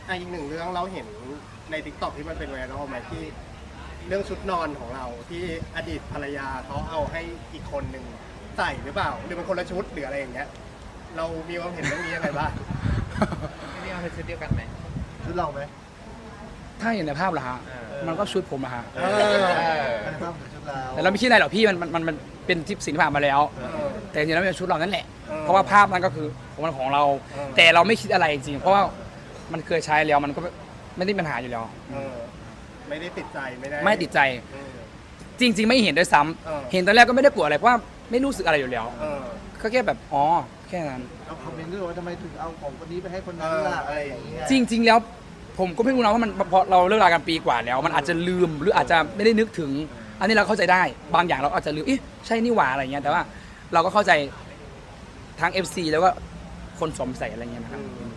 อีกหนึ่งเรื่องเราเห็นใน TikTok ที่มันเป็นไวรัลไหมที่เรื่องชุดนอนของเราที่อดีตภรรยาเขาเอาให้อีกคนหนึ่งใส่หรือเปล่าหรือเป็นคนละชุดหรืออะไรอย่างเงี้ยเรามีความเห็นเรื่องนี้ยังไงบ้างนี่เอาเป็นชุดเดียวกันไหมชุดเราไหมถ้าเห็นในภาพเหรอฮะมันก็ชุดผมอะฮะอันนี้ภาพเหมือนชุดเราแต่เราไม่คิดอะไรหรอกพี่มันเป็นที่สิ่งที่ผ่านมาแล้ว แต่จริงๆแล้วเป็นชุดเรานั่นแหละ เพราะว่าภาพนั้นก็คือของเรา แต่เราไม่คิดอะไรจริงๆเพราะว่ามันเคยใช้แล้วมันก็ไม่ได้มีปัญหาอยู่แล้วไม่ได้ติดใจไม่ได้ไม่ติดใจเออจริง ๆ ไม่เห็นด้วยซ้ำเห็นตอนแรกก็ไม่ได้กลัวอะไรเพราะว่าไม่รู้สึกอะไรอยู่แล้วเออก็แค่แบบอ๋อแค่นั้นเอาคอมเมนต์ด้วยว่าทำไมถึงเอาของคนนี้ไปให้คนนั้นล่ะอะไรอย่างเงี้ยจริง ๆ แล้วผมก็ไม่รู้นะว่ามันพอเราเลิกรากันปีกว่าแล้ว มันอาจจะลืมหรืออาจจะไม่ได้นึกถึง อันนี้เราเข้าใจได้บางอย่างเราอาจจะลืมใช่นี่หว่าอะไรเงี้ยแต่ว่าเราก็เข้าใจทั้ง FC แล้วก็คนสวมใส่อะไรเงี้ยนะครับอืม